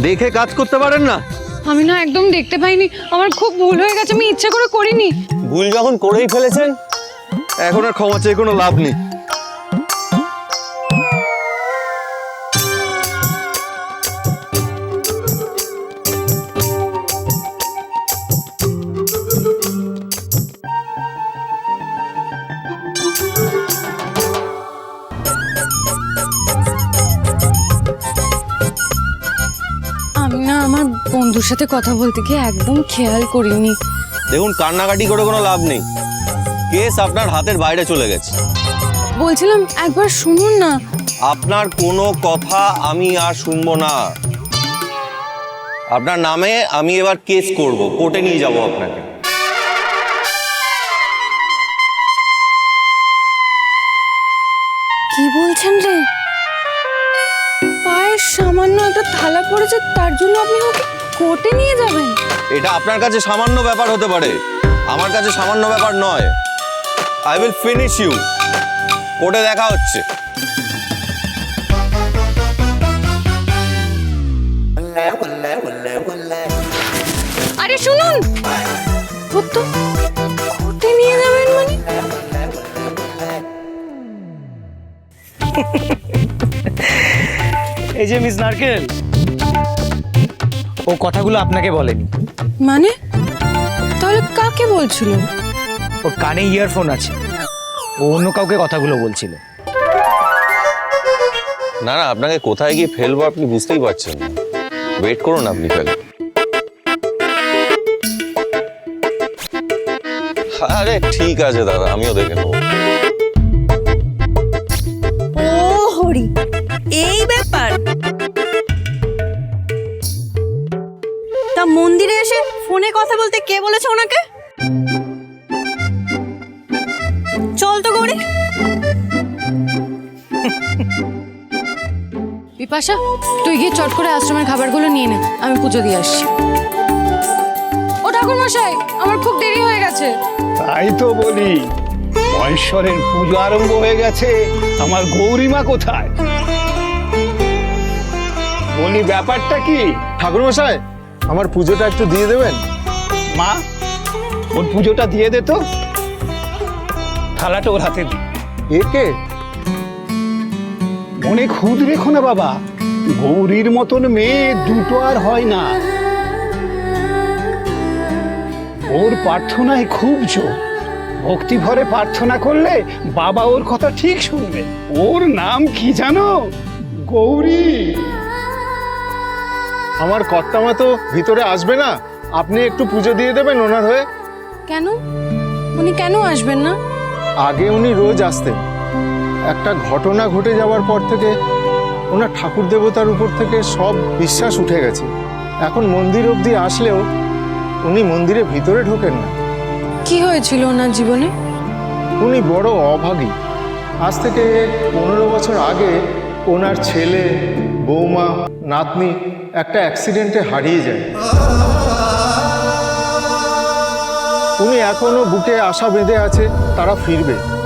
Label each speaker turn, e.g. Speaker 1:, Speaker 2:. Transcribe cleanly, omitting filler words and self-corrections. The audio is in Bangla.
Speaker 1: দেখে কাজ করতে পারেন না?
Speaker 2: আমি না একদম দেখতে পাইনি, আমার খুব ভুল হয়ে গেছে, আমি ইচ্ছা করে করিনি।
Speaker 1: ভুল যখন করেই ফেলেছেন, এখন আর ক্ষমা চেয়ে কোনো লাভ নেই।
Speaker 2: আমি না আমার বন্ধুর সাথে কথা বলতে গিয়ে একদম খেয়াল করিনি।
Speaker 1: দেখুন, কান্নাকাটি করে কোনো লাভ নেই, কেস আপনার হাতের বাইরে চলে গেছে।
Speaker 2: বলছিলাম একবার শুনুন না।
Speaker 1: আপনার কোনো কথা আমি আর শুনবো না। আপনার নামে আমি এবার কেস করব, কোর্টে নিয়ে যাব আপনাকে।
Speaker 2: কি বলছেন রে? পায়ের সামান্য একটা থালা পড়েছে, তার জন্য আপনি ওকে কোর্টে নিয়ে যাবেন?
Speaker 1: এটা আপনার কাছে সামান্য ব্যাপার হতে পারে, আমার কাছে সামান্য ব্যাপার নয়। I will finish you. কোর্টে দেখা হচ্ছে।
Speaker 2: আরে শুনুন, কোর্টে নিয়ে যাবেন মানে?
Speaker 3: এই যে মিস নারকেল, ও কথাগুলো আপনাকে বলেনি।
Speaker 2: মানে তাহলে কাকে বলছিল?
Speaker 3: ওর কানে ইয়ারফোন আছে, ও অন্য কাউকে কথাগুলো বলছিল।
Speaker 1: না না, আপনাকে কোথায় গিয়ে ফেলবো আপনি বুঝতেই পারছেন না। ওয়েট করুন, আপনি ফেলুন। আরে ঠিক আছে দাদা, আমিও দেখে নেবো।
Speaker 4: ও হরি, এই ব্যাপার। তা মন্দিরে এসে ফোনে কথা বলতে কে বলেছে ওনাকে? চল তো গৌরী।
Speaker 2: বিপাশা, তুই গিয়ে চট করে আশ্রমের খাবারগুলো নিয়ে নে, আমি পুজো দিয়ে আসছি। ও ঠাকুর মশাই, আমার খুব দেরি হয়ে গেছে।
Speaker 5: তাই তো বলি, মহেশ্বরের পুজো আরম্ভ হয়ে গেছে, আমার গৌরীমা কোথায়? বলি ব্যাপারটা কি?
Speaker 6: ঠাকুর মশাই, আমার পুজোটা একটু দিয়ে দেবেন?
Speaker 5: মা, ওর পুজোটা দিয়ে দে তো। থালাটা ওর হাতে দি।
Speaker 6: একে
Speaker 5: মনে খুদ রেখো না বাবা, গৌরীর মতন মেয়ে দুটো আর হয় না। ওর প্রার্থনায় খুব জোর, ভক্তি ভরে প্রার্থনা করলে বাবা ওর কথা ঠিক শুনবে। ওর নাম কি জানো? গৌরী।
Speaker 6: আমার কর্তামা তো ভিতরে আসবে না, আপনি একটু পুজো দিয়ে দেবেন ওনার হয়ে।
Speaker 2: কেন? উনি কেন আসবেন না?
Speaker 6: আগে উনি রোজ আসতেন, একটা ঘটনা ঘটে যাওয়ার পর থেকে ওনার ঠাকুর দেবতার উপর থেকে সব বিশ্বাস উঠে গেছে। এখন মন্দির অবধি আসলেও উনি মন্দিরে ভিতরে ঢোকেন না।
Speaker 2: কি হয়েছিল ওনার জীবনে?
Speaker 6: উনি বড় অভাগী। আজ থেকে 15 বছর আগে ওনার ছেলে, বৌমা, নাতনি একটা অ্যাক্সিডেন্টে হারিয়ে যায়। উনি এখনো বুকে আশা বেঁধে আছে তারা ফিরবে।